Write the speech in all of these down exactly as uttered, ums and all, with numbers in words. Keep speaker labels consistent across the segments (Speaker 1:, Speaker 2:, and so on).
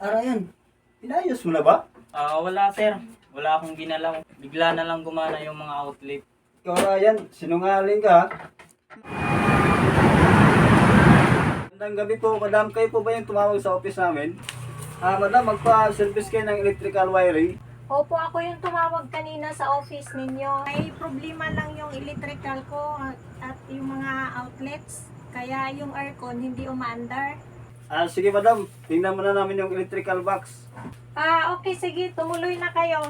Speaker 1: Ah, Ryan, inayos mo na ba?
Speaker 2: Ah, wala sir. Wala akong ginalaw. Bigla na lang gumana yung mga outlet.
Speaker 1: Ikaw, Ryan, sinungaling ka. ha? Magandang gabi po, madam. Kayo po ba yung tumawag sa office namin? Ah, madam, magpa-service kayo ng electrical wiring.
Speaker 3: Opo, ako yung tumawag kanina sa office ninyo. May problema lang yung electrical ko at, at yung mga outlets. Kaya yung aircon hindi umaandar.
Speaker 1: Ah, sige madam, tingnan muna namin yung electrical box.
Speaker 3: Ah, okay, sige. Tumuloy na kayo.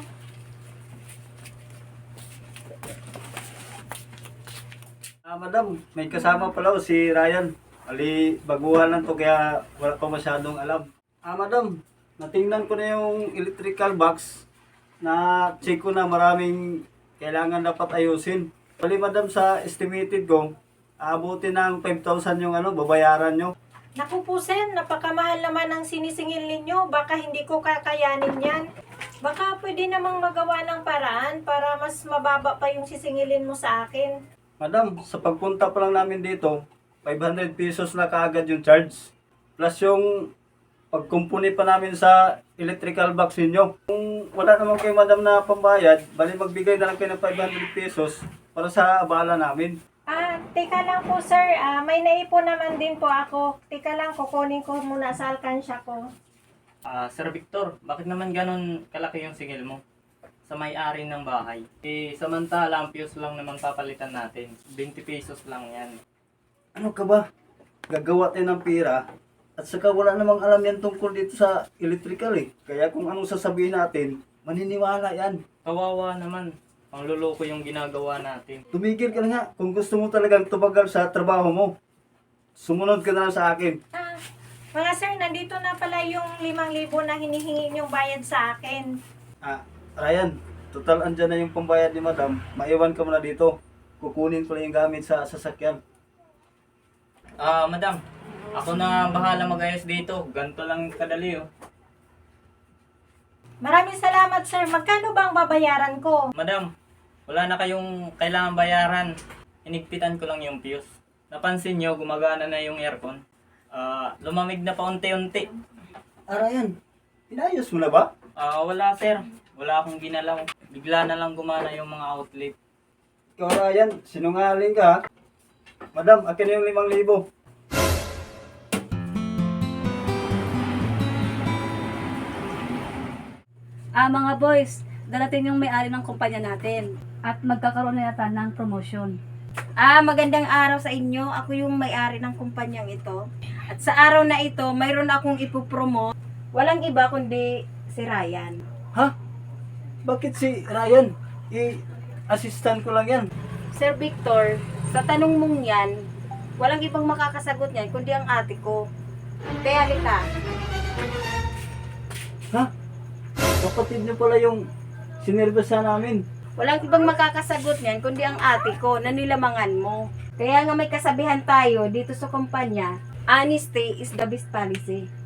Speaker 1: Ah, madam, may kasama pala o si Ryan. Ali, baguhan lang to kaya wala pa masyadong alam. Ah, madam, natingnan ko na yung electrical box na check ko na maraming kailangan dapat ayusin. Bali, madam, sa estimated ko, aabutin ng five thousand yung ano, babayaran nyo.
Speaker 3: Naku po, Sen, napakamahal naman ang sinisingil ninyo. Baka hindi ko kakayanin yan. Baka pwede namang magawa ng paraan para mas mababa pa yung sisingilin mo sa akin.
Speaker 1: Madam, sa pagpunta pa lang namin dito, five hundred pesos na kaagad yung charge. Plus yung pagkumpuni pa namin sa electrical box ninyo. Kung wala naman kayo madam na pambayad, bali magbigay na lang kayo ng five hundred pesos para sa abala namin.
Speaker 3: Ah, teka lang po, sir. Ah, may naipon naman din po ako. Teka lang, kukunin ko muna sa alkansya ko.
Speaker 2: Ah, Sir Victor, bakit naman ganun kalaki yung singil mo? Sa may-ari ng bahay. Eh, samantala, ang fuse lang naman papalitan natin. twenty pesos lang yan.
Speaker 1: Ano ka ba? Gagawa tayo ng pira at saka wala namang alam yan tungkol dito sa electrical eh. Kaya kung anong sasabihin natin, maniniwala yan.
Speaker 2: Kawawa naman. Pangluloko yung ginagawa natin.
Speaker 1: Tumigil ka na nga kung gusto mo talagang tumagal sa trabaho mo. Sumunod ka na lang sa akin.
Speaker 3: Ah, mga sir, nandito na pala yung limang libo na hinihingi niyong bayad sa akin.
Speaker 1: Ah, Ryan, total andyan na yung pambayad ni madam. Maiwan ka muna dito. Kukunin ko lang yung gamit sa sasakyan.
Speaker 2: Ah, madam. Ako na bahala mag-ayos dito. Ganto lang kadali oh.
Speaker 3: Maraming salamat, sir. Magkano ba ang babayaran ko?
Speaker 2: Madam, wala na kayong kailangan bayaran. Inigpitan ko lang yung fuse. Napansin nyo, gumagana na yung aircon. Ah, lumamig na pa unti-unti.
Speaker 1: Ah, Ryan, inayos mo na ba?
Speaker 2: Ah, wala sir. Wala akong ginalaw. Bigla na lang gumana yung mga outlet.
Speaker 1: Ikaw, Ryan, sinungaling ka. ha? Madam, akin na yung limang libo.
Speaker 4: Ah, mga boys, darating yung may-ari ng kumpanya natin at magkakaroon na yata ng promotion.
Speaker 3: Ah, magandang araw sa inyo. Ako yung may-ari ng kumpanyang ito. At sa araw na ito, mayroon akong ipopromote. Walang iba kundi si Ryan.
Speaker 1: Ha? Bakit si Ryan? I-assistant ko lang yan.
Speaker 3: Sir Victor, sa tanong mong yan, walang ibang makakasagot niyan kundi ang ate ko. Kaya halika.
Speaker 1: Ha? Kapatid niyo pala yung sinervisa namin.
Speaker 3: Walang ibang makakasagot niyan kundi ang ate ko na nilamangan mo. Kaya nga may kasabihan tayo dito sa kumpanya, honesty is the best policy.